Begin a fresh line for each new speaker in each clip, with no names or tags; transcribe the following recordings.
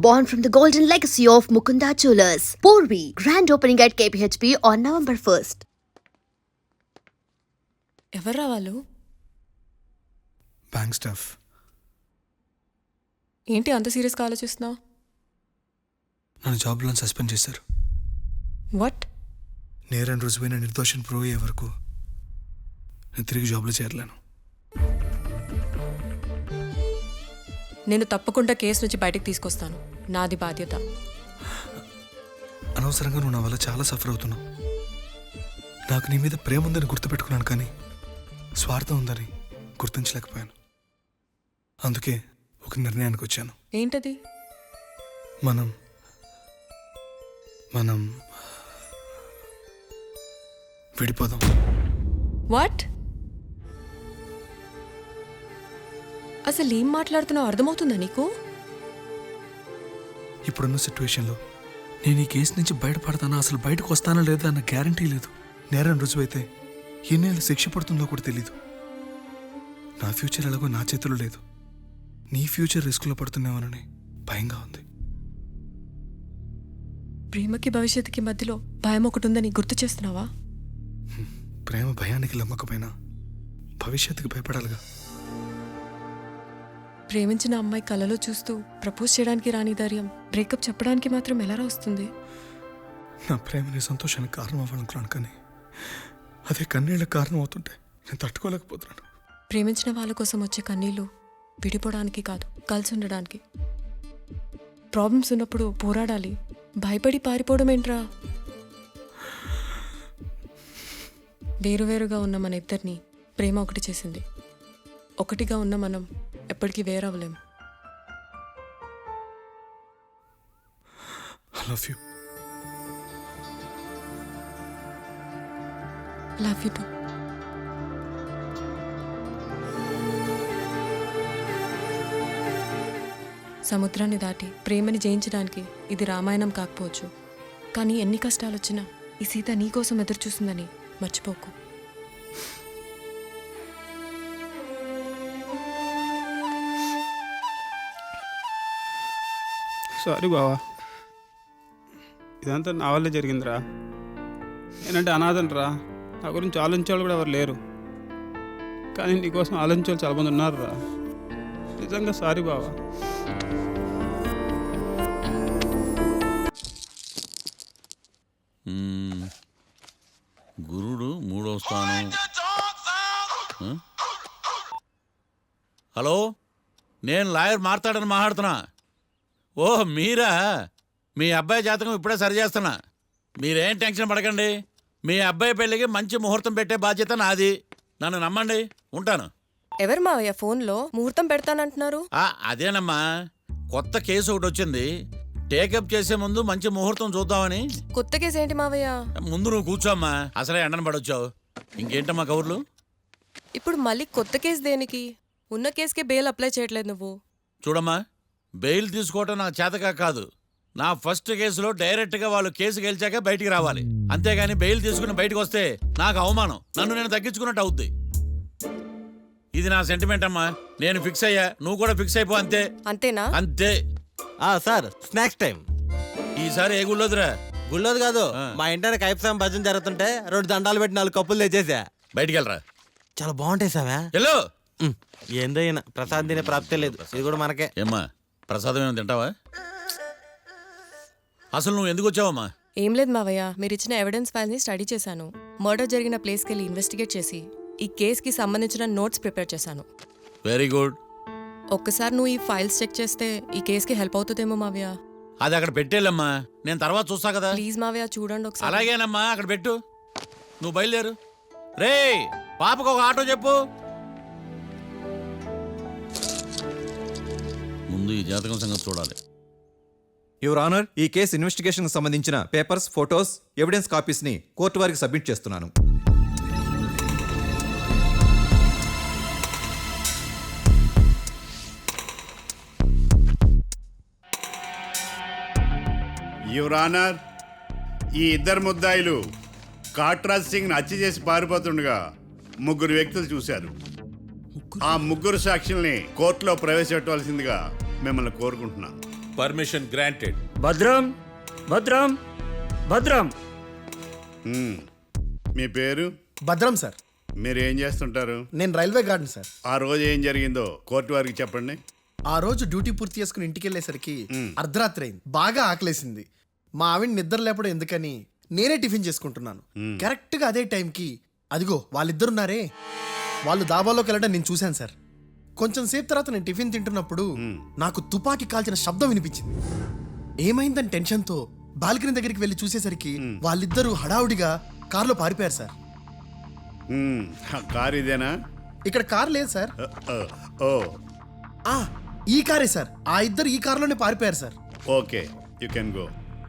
born from the golden legacy of Mukunda Jewelers. Porvi, grand opening at KPHP on November 1st.
ఎవర్రా వాళ్ళు?
Bank staff.
ఏంటి అంత సీరియస్గా ఆలోచిస్తున్నావు?
నన్ను జాబ్లో సస్పెండ్ చేశారు.
వాట్?
నేరం రుజువైన నిర్దోషం ప్రూవ్ అయ్యే వరకు నేను తిరిగి జాబ్లో చేరలేను.
నేను తప్పకుండా కేసు నుంచి బయటకు తీసుకొస్తాను. నాది బాధ్యత.
అనవసరంగా నువ్వు నా వల్ల చాలా సఫర్ అవుతున్నావు. నాకు నీ మీద ప్రేమ ఉందని గుర్తుపెట్టుకున్నాను, కానీ స్వార్థం ఉందని గుర్తించలేకపోయాను. అందుకే ఒక నిర్ణయానికి వచ్చాను.
ఏంటది?
మనం మనం విడిపోదాం.
వాట్? అసలు ఏం మాట్లాడుతున్నావు అర్థమవుతుందా నీకు?
ఇప్పుడున్న సిచ్యువేషన్లో నేను ఈ కేసు నుంచి బయటపడతానా, అసలు బయటకు వస్తానా లేదా అన్న గ్యారంటీ లేదు. నేరం రుజువైతే ఎన్నేళ్ళు శిక్ష పడుతుందో కూడా తెలీదు. నా ఫ్యూచర్ ఎలాగో నా చేతిలో లేదు. నీ ఫ్యూచర్ రిస్క్లో పడుతున్నామని భయంగా ఉంది.
ప్రేమకి భవిష్యత్తుకి మధ్యలో భయం ఒకటి ఉందని గుర్తు చేస్తున్నావా?
ప్రేమ భయానికి లమ్మకపోయినా భవిష్యత్తుకి భయపడాలిగా.
ప్రేమించిన అమ్మాయి కలలో చూస్తూ ప్రపోజ్ చేయడానికి రాని ధైర్యం బ్రేకప్ చెప్పడానికి మాత్రం ఎలా వస్తుంది?
నా ప్రేమని సంతోషానికి కారణం అవ్వాలనుకున్నాను, కానీ అదే కన్నీళ్ళకి కారణం అవుతుంటే నేను తట్టుకోలేకపోతున్నాను.
ప్రేమించిన వాళ్ళ కోసం వచ్చే కన్నీళ్ళు విడిపోవడానికి కాదు, కలిసి ఉండడానికి. ప్రాబ్లమ్స్ ఉన్నప్పుడు పోరాడాలి, భయపడి పారిపోవడం ఏంట్రా? వేరువేరుగా ఉన్న మన ఇద్దరిని ప్రేమ ఒకటి చేసింది. ఒకటిగా ఉన్న మనం ఎప్పటికీ వేరవ్వలేం.
I love you.
Love you too. సముద్రాన్ని దాటి ప్రేమని జయించడానికి ఇది రామాయణం కాకపోవచ్చు, కానీ ఎన్ని కష్టాలు వచ్చినా ఈ సీత నీకోసం ఎదురు చూస్తుందని మర్చిపోకు.
సారీ బావా, ఇదంతా నా వల్లే జరిగిందిరా. నేనంటే అనాథనరా, నా గురించి ఆలోచించేవాళ్ళు కూడా ఎవరు లేరు. కానీ నీకోసం ఆలోచించేవాళ్ళు చాలా మంది ఉన్నారు రా. నిజంగా సారీ బావా.
గురుడు 3వ స్థానం. హలో, నేను లాయర్ మాట్లాడని మాట్లాడుతున్నా. ఓ మీరా? మీ అబ్బాయి జాతకం ఇప్పుడే సరి చేస్తున్నా. మీరేం టెన్షన్ పడకండి. మీ అబ్బాయి పెళ్ళికి మంచి ముహూర్తం పెట్టే బాధ్యత నాది. నన్ను నమ్మండి, ఉంటాను.
ఎవరు మావయ్య ఫోన్లో ముహూర్తం పెడతానంటున్నారు?
అదేనమ్మా, కొత్త కేసు ఒకటి వచ్చింది. టేకప్ చేసే ముందు మంచి ముహూర్తం చూద్దామని.
కొత్త కేసు ఏంటి మావయ్య?
ముందు నువ్వు కూర్చోమ్మా, అసలే ఎండను పడొచ్చావు. ఇంకేంటమ్మా కబుర్లు?
ఇప్పుడు మళ్ళీ కొత్త కేసు దేనికి? ఉన్న కేసుకే బెయిల్ అప్లై చేయట్లేదు నువ్వు.
చూడమ్మా, బెయిల్ తీసుకోవటం నాకు చేతగా కాదు. నా ఫస్ట్ కేసులో డైరెక్ట్గా వాళ్ళు కేసు గెలిచాక బయటికి రావాలి. అంతేగాని బెయిల్ తీసుకుని బయటకు వస్తే నాకు అవమానం, నన్ను నేను తగ్గించుకున్నట్టు అవుద్ది. ఇది నా సెంటిమెంట్ అమ్మా. నేను ఫిక్స్ అయ్యా, నువ్వు కూడా ఫిక్స్ అయిపో. అంతే.
అంతేనా?
అంతే.
Sir, snacks time.
ఈసారి ఏ గుళ్ళోదిరా?
గుళ్ళోది కాదు, మా ఇంటర్ కైప్సాం భజన జరుగుతుంటే 2 దండాలు పెట్టి 4 కప్పులు తెచ్చేసా.
బయటికి వెళ్ళరా.
చాలా బాగుంటాయి సావా.
హలో,
ఏందైనా ప్రసాద్ తినే ప్రాప్తే లేదు, ఇది కూడా మనకే.
ఏమ్మా, ప్రసాదం ఏమైనా తింటావా? అసలు నువ్వు ఎందుకు వచ్చావమ్మా?
ఏం లేదు మావయ్య, మీరు ఇచ్చిన ఎవిడెన్స్ ఫైల్ని స్టడీ చేశాను. మర్డర్ జరిగిన ప్లేస్కి వెళ్ళి ఇన్వెస్టిగేట్ చేసి ఈ కేసుకి సంబంధించిన నోట్స్ ప్రిపేర్ చేశాను.
Very good.
ఒక్కసారి నువ్వు ఈ ఫైల్స్ చెక్ చేస్తే ఈ కేసుకి హెల్ప్ అవుతుందేమో మావయ్య.
అది అక్కడ పెట్టేళ్ళమ్మా, నేను తర్వాత చూస్తా కదా.
ప్లీజ్ మావయ్య, చూడండి ఒకసారి.
అలాగేనమ్మా, అక్కడ పెట్టు. నువ్వు బయలుదేరు. రే, పాపకు ఒక ఆటో చెప్పు. ముందు ఈ జాతకం సంగతి చూడాలి.
యువర్ ఆనర్, ఈ కేసు ఇన్వెస్టిగేషన్కి సంబంధించిన పేపర్స్, ఫోటోస్, ఎవిడెన్స్ కాపీస్ని కోర్టు వారికి సబ్మిట్ చేస్తున్నాను.
యువర్ ఆనర్, ఈ ఇద్దరు ముద్దాయిలు కాట్రాజ్ సింగ్ని హత్య చేసి పారిపోతుండగా 3 వ్యక్తులు చూశారు. ఆ 3 సాక్షుల్ని కోర్టులో ప్రవేశపెట్టవలసిందిగా మిమ్మల్ని కోరుకుంటున్నాను.
Permission granted.
భద్రం భద్రం భద్రం.
మీ పేరు?
భద్రం సార్.
మీరు ఏం చేస్తుంటారు?
నేను రైల్వే గార్డెన్ సార్.
ఆ రోజు ఏం జరిగిందో కోర్టు వారికి చెప్పండి.
ఆ రోజు డ్యూటీ పూర్తి చేసుకుని ఇంటికి వెళ్ళేసరికి అర్ధరాత్రి అయింది. బాగా ఆకలేసింది. మా ఆవిడ నిద్ర లేపడం ఎందుకని నేనే టిఫిన్ చేసుకుంటున్నాను. కరెక్ట్ గా అదే టైంకి అదిగో వాళ్ళిద్దరున్నారే, వాళ్ళు దాబాలోకి వెళ్ళడం నేను చూశాను సార్. కొంచెం సేపు తర్వాత నేను టిఫిన్ తింటున్నప్పుడు నాకు తుపాకీ కాల్చిన శబ్దం వినిపించింది. ఏమైందని టెన్షన్తో బాల్కనీ దగ్గరికి వెళ్ళి చూసేసరికి వాళ్ళిద్దరూ హడావుడిగా కారులో పారిపోయారు సార్.
కారు ఇదేనా?
ఇక్కడ కార్ లేదు సార్.
ఓ
ఈ కారే సార్. ఆ ఇద్దరు ఈ కారులోనే పారిపోయారు సార్.
Okay, you can go.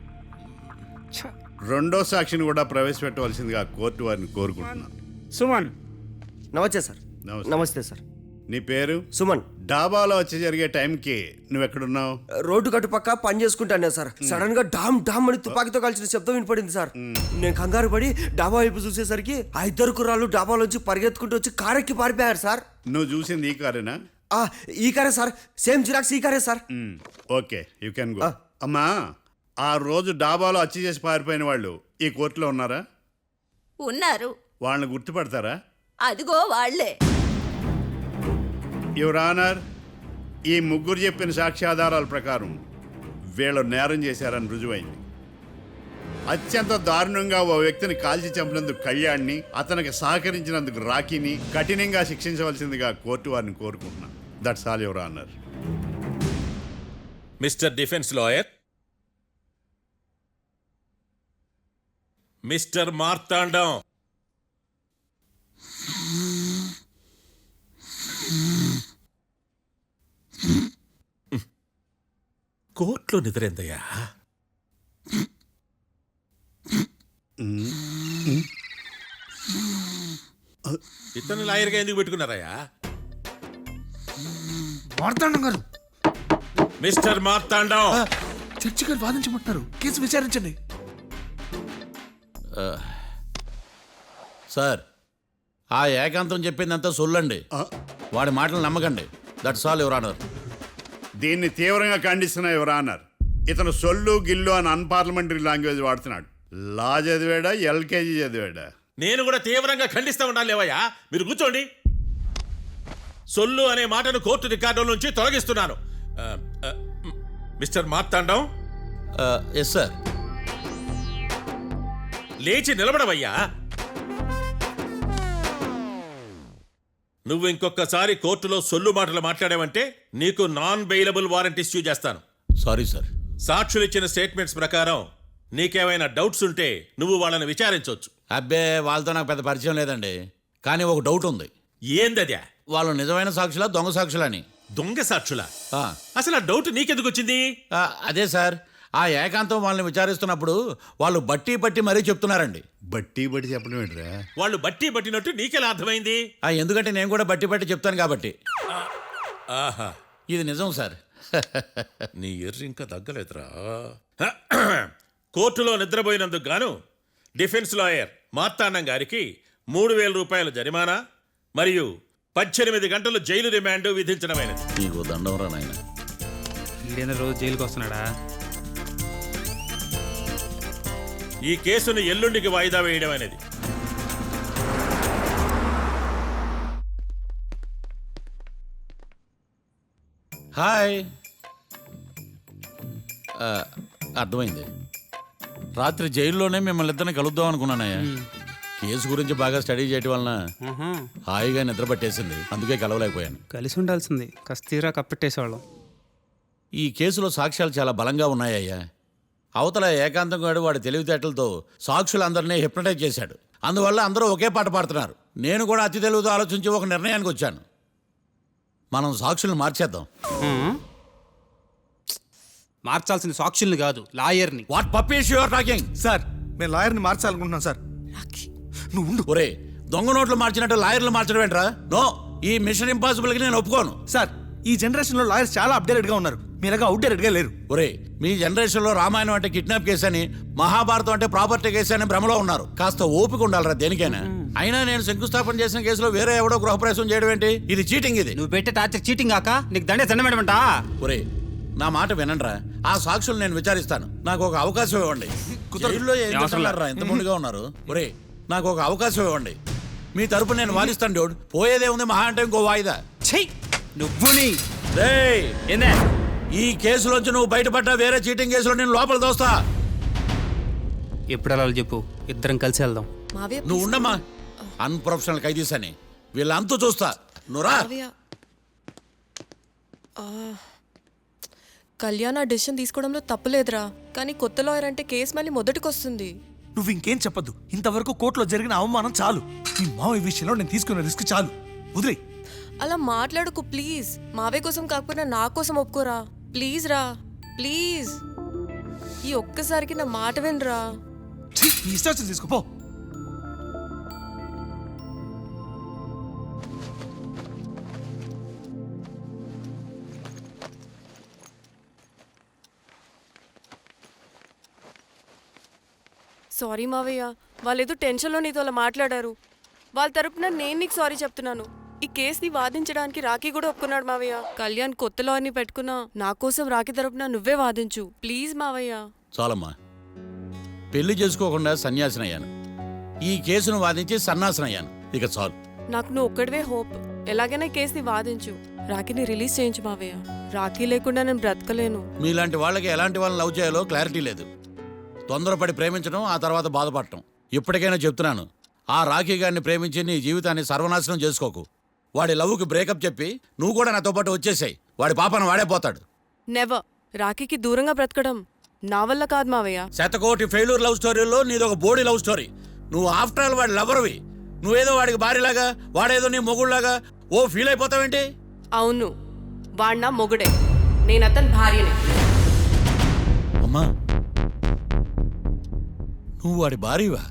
రెండో సాక్షిని కూడా ప్రవేశపెట్టవలసిందిగా కోర్టు వారిని కోరుకుంటున్నాను.
సుమన్. నమస్తే సార్. నమస్తే సార్.
నీ పేరు?
సుమన్.
డాబాలో వచ్చి జరిగే టైంకి నువ్వెక్కడున్నావు?
రోడ్డు కట్టు పక్క పని చేసుకుంటాను సార్. సడన్ గా డామ్ డామ్ అని తుపాకీతో కాల్చిన శబ్దం వినపడింది సార్. నేను కంగారు పడి డాబా వైపు చూసేసరికి ఆ ఇద్దరు కుర్రాళ్ళు డాబాలోంచి పరిగెత్తుకుంటూ వచ్చి కారెక్కి పారిపోయారు సార్.
నువ్వు చూసింది ఈ కారేనా?
ఈ కారే సార్. సేమ్ జిరాక్స్ ఈ కారే సార్.
Okay, you can go. అమ్మా, ఆ రోజు డాబాలో హత్య చేసి పారిపోయిన వాళ్ళు ఈ కోర్టులో ఉన్నారా?
ఉన్నారు.
వాళ్ళని గుర్తుపడతారా?
అదిగో వాళ్లే.
యువర్ ఆనర్, ఈ ముగ్గురు చెప్పిన సాక్ష్యాధారాల ప్రకారం వీళ్ళు నేరం చేశారని రుజువైంది. అత్యంత దారుణంగా ఓ వ్యక్తిని కాల్చి చంపినందుకు కళ్యాణ్ని, అతనికి సహకరించినందుకు రాకీని కఠినంగా శిక్షించవలసిందిగా కోర్టు వారిని కోరుకుంటున్నాను. That's all your honour.
Mister defence lawyer, mister Marthandam, కోర్టులో నిద్రేందయ్యా? ఇతను లాయర్గా ఎందుకు పెట్టుకున్నారయ్యా?
మార్తాండం గారు,
మిస్టర్ మార్తాండం,
చర్చి గారు వాదించమంటున్నారు. కేసు విచారించండి.
సార్, ఆ ఏకాంతం చెప్పిందంతా సొల్లండి. వాడి మాటలు నమ్మకండి. That's all your honour.
దీన్ని తీవ్రంగా ఖండిస్తున్నా యువర్ ఆనర్. ఇతను సొల్లు గిల్లు అని అన్పార్లమెంటరీ లాంగ్వేజ్ వాడుతున్నాడు. లా చదివాడా, ఎల్కేజీ చదివాడా?
నేను కూడా తీవ్రంగా ఖండిస్తా ఉండాలి. లేవయ్యా, మీరు కూర్చోండి. సొల్లు అనే మాటను కోర్టు రికార్డుల నుంచి తొలగిస్తున్నాను. మిస్టర్ మార్తాండం. Yes sir. లేచి నిలబడవయ్యా. నువ్వు ఇంకొకసారి కోర్టులో సొల్లు మాటలు మాట్లాడావంటే నీకు నాన్ బెయిలబుల్ వారెంట్ ఇష్యూ చేస్తాను. Sorry sir. సాక్షులు ఇచ్చిన స్టేట్మెంట్స్ ప్రకారం నీకేమైనా డౌట్స్ ఉంటే నువ్వు వాళ్ళని విచారించవచ్చు. అబ్బే, వాళ్ళతో నాకు పెద్ద పరిచయం లేదండి. కానీ ఒక డౌట్ ఉంది. ఏందద్యా? వాళ్ళు నిజమైన సాక్షులా, దొంగ సాక్షులని? దొంగ సాక్షులా? అసలు ఆ డౌట్ నీకెందుకు వచ్చింది? అదే సార్, ఆ ఏకాంతం వాళ్ళని విచారిస్తున్నప్పుడు వాళ్ళు బట్టి పట్టి మరీ చెప్తున్నారండి.
బట్టి బట్టి చెప్పడం ఏంట్రా?
వాళ్ళు బట్టి పట్టినట్టు నీకెలా అర్థమైంది? ఎందుకంటే నేను కూడా బట్టి పట్టి చెప్తాను కాబట్టి. ఆహా, ఇది నిజం సార్. నీ ఎర్రి ఇంకా తగ్గలేదురా. కోర్టులో నిద్రపోయినందుకు గాను డిఫెన్స్ లాయర్ మార్తాండం గారికి 3,000 రూపాయల జరిమానా మరియు 18 గంటలు జైలు రిమాండ్ విధించడమైనది. నీకు దండంరా నాయన.
ఈడేనా రోజు జైలుకి వస్తున్నాడా?
ఈ కేసును ఎల్లుండికి వాయిదా వేయడం అనేది. హాయ్. అర్థమైంది. రాత్రి జైల్లోనే మిమ్మల్ని ఇద్దరిని కలుద్దాం అనుకున్నానయ్యా. కేసు గురించి బాగా స్టడీ చేయటం వలన హాయిగా నిద్ర పట్టేసింది. అందుకే కలవలేకపోయాను.
కలిసి ఉండాల్సింది. కస్తీరా కప్పెట్టేసేవాళ్ళం.
ఈ కేసులో సాక్ష్యాలు చాలా బలంగా ఉన్నాయ్యా. అవతల ఏకాంతం గాడు వాడి తెలివితేటలతో సాక్షులందరినీ హిప్నటైజ్ చేశాడు. అందువల్ల అందరూ ఒకే పాట పాడుతున్నారు. నేను కూడా అతి తెలివితో ఆలోచించి ఒక నిర్ణయానికి వచ్చాను. మనం సాక్షులను మార్చేద్దాం.
మార్చాల్సిన సాక్షుల్ని కాదు, లాయర్ని.
What puppies you are talking?
Sir, నేను లాయర్ని మార్చాలనుకుంటున్నాను సార్. నువ్వు ఉండు.
ఒరే, దొంగ నోట్లు మార్చినట్టు లాయర్లు మార్చడం ఏంట్రా? నో, ఈ మిషన్ ఇంపాసిబుల్కి నేను ఒప్పుకోను.
సార్, ఈ జనరేషన్లో లాయర్స్ చాలా అప్డేటెడ్గా ఉన్నారు. మీరుగా అవుట్డేటెడ్గా లేరు.
ఒరే, మీ జనరేషన్లో రామాయణం అంటే కిడ్నాప్ కేసు అని, మహాభారతం అంటే ప్రాపర్టీ కేసు అని భ్రమలో ఉన్నారు. కాస్త ఓపిక ఉండాలరా దేనికైనా. అయినా నేను శంకుస్థాపన చేసిన కేసులో వేరే ఎవడో గృహప్రవేశం చేయడం ఏంటి? ఇది చీటింగ్. ఇది
నువ్వు పెట్టే టార్చర్ చీటింగ్ కాక నీకు దండే దండమేడమంటా?
ఒరే, నా మాట వినండిరా. ఆ సాక్షులు నేను విచారిస్తాను. నాకు ఒక అవకాశం ఇవ్వండి. జైల్లో ఏం చేస్తున్నారా ఎంత ముందుగా ఉన్నారు? ఒరే, నాకు ఒక అవకాశం ఇవ్వండి. మీ తరపు నేను వాదిస్తాను డోడ్. పోయేదే ఉంది మహా అంటే ఇంకో వాయిదా.
నువ్వు
రేయ్, ఈ కేసులోంచి నువ్వు బయటపడ్డా వేరే చీటింగ్ కేసులో నేను లోపల దోస్తా.
ఎప్పుడు వెళ్ళాలి చెప్పు, ఇద్దరం కలిసి వెళ్దాం.
మావయ్య
నువ్వు ఉండమ్మా. అన్ప్రొఫెషనల్ ఖైదీస్ అని వీళ్ళంతా చూస్తా. నువ్వురా.
మావయ్య కళ్యాణ్ ఆ డెసిషన్ తీసుకోవడంలో తప్పులేదురా, కానీ కొత్త లాయర్ అంటే కేసు మళ్ళీ మొదటికి వస్తుంది.
నువ్వు ఇంకేం చెప్పొద్దు. ఇంతవరకు కోర్టులో జరిగిన అవమానం చాలు. ఈ మావయ్య విషయంలో నేను తీసుకున్న రిస్క్ చాలు. వదిలే.
అలా మాట్లాడుకు ప్లీజ్. మావయ్య కోసం కాకపోయినా నా కోసం ఒప్పుకోరా ప్లీజ్ రా, ప్లీజ్. ఈ ఒక్కసారికి నా మాట వినరా.
నీ ఇష్టం తీసుకోపో.
సారీ మావయ్య, వాళ్ళేదో టెన్షన్లో నీతో అలా మాట్లాడారు. వాళ్ళ తరపున నేను నీకు సారీ చెప్తున్నాను. ఈ కేసుని వాదించడానికి రాఖీ కూడా ఒప్పుకున్నాడు మావయ్య. కళ్యాణ్ కొత్త లాయర్ని పెట్టుకున్నా నా కోసం రాఖీ తరపున నువ్వే వాదించు ప్లీజ్ మావయ్య.
చాలమ్మా. పెళ్లి చేసుకోకుండా సన్యాసినయ్యాను. ఈ కేసును వాదించి సన్నాసనయ్యాను. ఇక చాలు.
నాకు నువ్వు ఒక్కడివే హోప్. ఎలాగైనా ఈ కేసుని వాదించు, రాఖీని రిలీజ్ చేయించు మావయ్య. రాఖీ లేకుండా నేను బ్రతకలేను.
మీలాంటి వాళ్ళకి ఎలాంటి వాళ్ళని లవ్ చేయాలో క్లారిటీ లేదు. తొందరపడి ప్రేమించడం, ఆ తర్వాత బాధపడటం. ఇప్పటికైనా చెప్తున్నాను, ఆ రాఖీ గారిని ప్రేమించి నీ జీవితాన్ని సర్వనాశనం చేసుకోకు. వాడి లవ్కి బ్రేకప్ చెప్పి నువ్వు కూడా నాతో పాటు వచ్చేసాయి. వాడి పాపను వాడే పోతాడు.
నెవర్. రాఖీకి దూరంగా బ్రతకడం నా వల్ల కాదు మావయ్య.
శతకోటి ఫెయిల్యూర్ లవ్ స్టోరీలో నీదొక బోడీ లవ్ స్టోరీ. నువ్వు ఆఫ్టర్ ఆల్ వాడి లవర్వి. నువ్వేదో వాడికి భార్యలాగా, వాడేదో నీ మొగుడులాగా ఓ ఫీల్ అయిపోతావేంటి?
అవును, వాడు నా మొగుడే, నేను అతని భార్యనే.
అమ్మా, నువ్వు వాడి భార్యవా?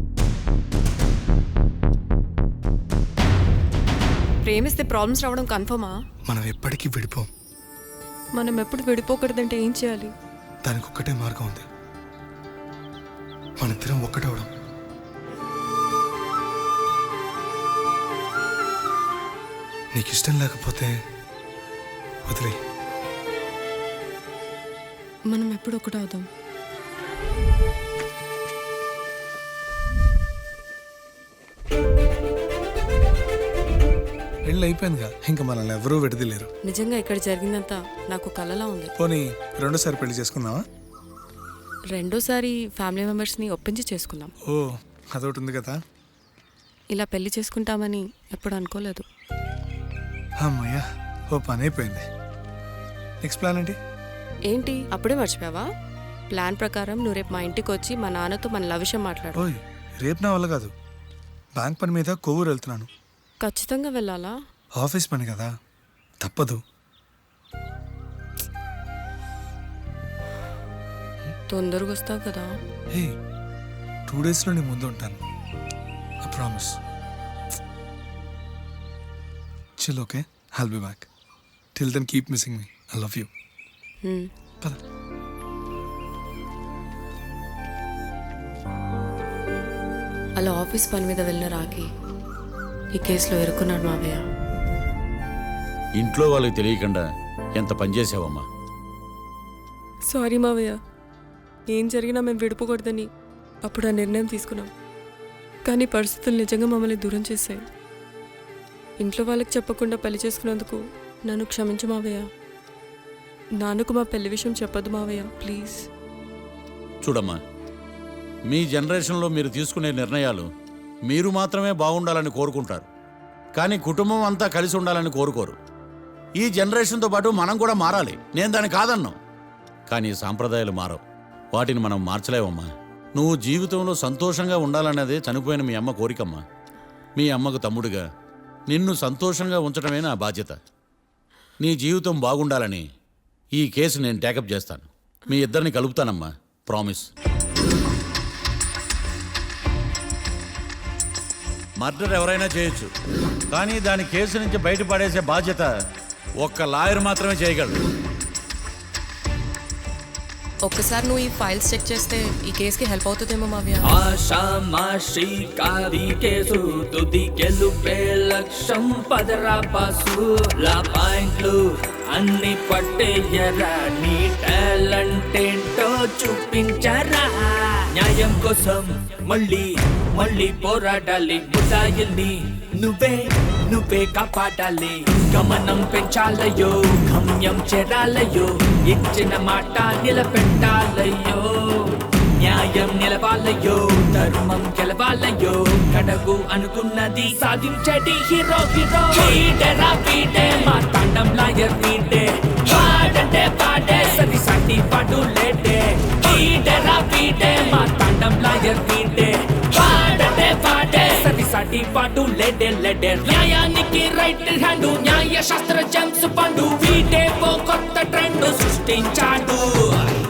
ప్రేమిస్తే ప్రాబ్లమ్స్ రావడం కన్ఫర్మా?
మనం ఎప్పటికీ విడిపోం.
మనం ఎప్పుడు విడిపోకూడదంటే ఏం చేయాలి?
దానికి ఒక్కటే మార్గం ఉంది. మనిద్దరం ఒక్కటవడం. నీకు ఇష్టం లేకపోతే వదిలే.
మనం ఎప్పుడు ఒకటవుదాం.
పెళ్ళి అయిపోయిందిగా, ఇంకా మనల్ని ఎవరూ విడదలేరు.
నిజంగా ఇక్కడ జరిగిందంతా నాకు కలలా ఉంది.
పోనీ రెండోసారి పెళ్లి చేసుకుందామా?
రెండోసారి ఫ్యామిలీ మెంబర్స్ని ఒప్పించి చేసుకుందాం.
ఓ, అదొకటి ఉంది కదా.
ఇలా పెళ్లి చేసుకుంటామని ఎప్పుడు అనుకోలేదు.
అమ్మయ్యా, ఓ పని అయిపోయింది. నెక్స్ట్ ప్లాన్ ఏంటి?
ఏంటి అప్పుడే మర్చిపోయావా? ప్లాన్ ప్రకారం నువ్వు రేపు మా ఇంటికి వచ్చి మా నాన్నతో మన లవ్ విషయం మాట్లాడు.
ఓయ్, రేపు నా వల్ల కాదు. బ్యాంక్ పని మీద కొవ్వూరు వెళ్తున్నాను.
ఖచ్చితంగా వెళ్ళాలా?
ఆఫీస్ పని కదా, తప్పదు.
తొందరగా వస్తావు కదా?
హే, 2 డేస్లో నీ ముందు ఉంటాను. I promise. Chill, okay? I'll be back. Till then keep missing me. I love you. పద.
అలా ఆఫీస్ పని మీద వెళ్ళిన రాకి ఈ కేసులో ఇరుక్కున్నాడు మావయ్య.
ఇంట్లో వాళ్ళకి తెలియకుండా ఎంత పనిచేసావమ్మా.
సారీ మావయ్య, ఏం జరిగినా మేము విడిపోకూడదని అప్పుడు ఆ నిర్ణయం తీసుకున్నాం. కానీ పరిస్థితులు నిజంగా మమ్మల్ని దూరం చేశాయి. ఇంట్లో వాళ్ళకి చెప్పకుండా పెళ్లి చేసుకున్నందుకు నన్ను క్షమించు మావయ్య. నాన్నకు మా పెళ్లి విషయం చెప్పదు మావయ్య, ప్లీజ్.
చూడమ్మా, మీ జనరేషన్లో మీరు తీసుకునే నిర్ణయాలు మీరు మాత్రమే బాగుండాలని కోరుకుంటారు, కానీ కుటుంబం అంతా కలిసి ఉండాలని కోరుకోరు. ఈ జనరేషన్తో పాటు మనం కూడా మారాలి. నేను దాన్ని కాదన్నాను, కానీ సాంప్రదాయాలు మారవు. వాటిని మనం మార్చలేవమ్మా. నువ్వు జీవితంలో సంతోషంగా ఉండాలన్నదే చనిపోయిన మీ అమ్మ కోరికమ్మా. మీ అమ్మకు తమ్ముడిగా నిన్ను సంతోషంగా ఉంచడమే నా బాధ్యత. నీ జీవితం బాగుండాలని ఈ కేసు నేను టేకప్ చేస్తాను. మీ ఇద్దరిని కలుపుతానమ్మా, ప్రామిస్. మర్డర్ ఎవరైనా చేయొచ్చు, కానీ దాని కేసు నుంచి బయటపడేసే బాధ్యత ఒక్క లాయర్ మాత్రమే చేయగలడు.
ఒక్కసారి నువ్వు ఈ ఫైల్స్ చెక్ చేస్తే ఈ కేసుకి హెల్ప్ అవుతుందేమో మావయ్య.
ఆషామాషి కాది కేసు తుది గెలుపే లక్ష్యం పదరా బాసు లా పాయింట్లు అన్ని పట్టేయరా నీ టాలెంట్ ఏంటో చూపించరా న్యాయం కోసం మళ్ళీ మళ్ళీ పోరాడాలి ముసాయిల్ని నువ్వే కాపాడాలి గమనం పెంచాలయ్యో గమ్యం చేరాలయ్యో ఇచ్చిన మాట నిలబెట్టాలయ్యో న్యాయం నిలవాలయ్యో ధర్మం గెలవాలయ్యో కడగు అనుకున్నది సాధించడి హీరో వీడేరా వీడే మా తాండం లాయర్ వీడే పాడంటే పాడే సరి సాటి పాడు లేడే వీడేరా వీడే మా తాండం లాయర్ వీడే పాడంటే పాడే సరి సాటి పాడు లేడే న్యాయానికి రైట్ హ్యాండ్ న్యాయ శాస్త్ర జేమ్స్ పండు వీడే ఓ కొత్త ట్రెండ్ సృష్టించాడు